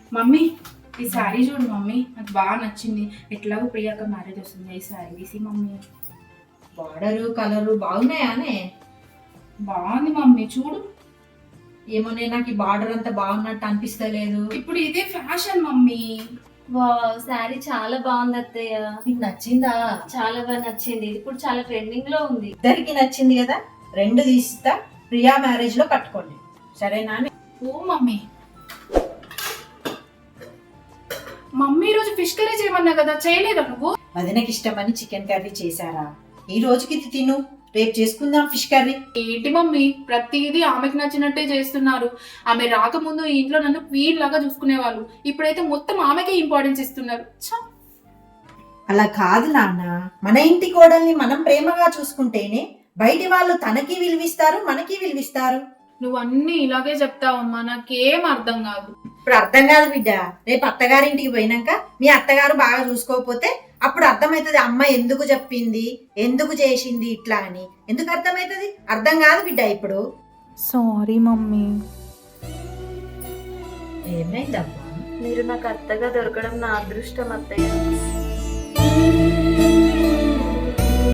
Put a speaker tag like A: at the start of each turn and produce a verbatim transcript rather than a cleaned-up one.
A: Mummy ఈ శారీ చూడు mummy, నాకు బాగా నచ్చింది. ఎట్లాగో ప్రియాక మ్యారేజ్ వస్తుంది, ఈ శారీ తీసి మమ్మీ.
B: Border colour బాగున్నాయానే?
A: బాగుంది మమ్మీ చూడు.
B: ఏమోనే, నాకు ఈ బార్డర్ అంతా బాగున్నట్టు అనిపిస్తలేదు.
A: ఇప్పుడు ఇదే ఫ్యాషన్ మమ్మీ.
C: వా శారీ చాలా బాగుంది అత్తయ్య.
B: నీకు నచ్చిందా?
C: చాలా బాగా నచ్చింది. ఇది ఇప్పుడు చాలా ట్రెండింగ్ లో ఉంది.
B: ఇద్దరికి నచ్చింది కదా, రెండు తీస్తా, ప్రియా మ్యారేజ్ లో కట్టుకోండి, సరేనా?
A: ఓ మమ్మీ, మమ్మీ ఈరోజు ఫిష్ కర్రీ చేయమన్నా కదా, చేయలేదా నువ్వు?
B: వదినకి ఇష్టమని చికెన్ కర్రీ చేశారా? ఈ రోజుకి ఇది తిను, రేపు చేసుకుందాం ఫిష్ కర్రీ.
A: ఏంటి మమ్మీ ప్రతిదీ ఆమెకు నచ్చినట్టే చేస్తున్నారు. ఆమె రాకముందు ఈ ఇంట్లో నన్ను క్వీన్ లాగా చూసుకునేవాళ్ళు, ఇప్పుడైతే మొత్తం ఆమెకే ఇంపార్టెన్స్ ఇస్తున్నారు. ఛ!
B: అలా కాదు నాన్న, మన ఇంటి కోడల్ని మనం ప్రేమగా చూసుకుంటేనే బయటి వాళ్ళు తనకి విలువిస్తారు, మనకి విలువిస్తారు.
A: నువ్వు అన్ని ఇలాగే చెప్తావమ్మా, నాకేం అర్థం కాదు.
B: ఇప్పుడు అర్థం కాదు బిడ్డ, రేపు అత్తగారింటికి పోయినాక మీ అత్తగారు బాగా చూసుకోకపోతే అప్పుడు అర్థమవుతుంది అమ్మ ఎందుకు చెప్పింది, ఎందుకు చేసింది ఇట్లా అని. ఎందుకు అర్థమవుతుంది? అర్థం కాదు బిడ్డ ఇప్పుడు.
A: Sorry mummy.
B: ఏమైందమ్మా?
C: మీరు నాకు అత్తగా దొరకడం నా అదృష్టం అత్తయ్య.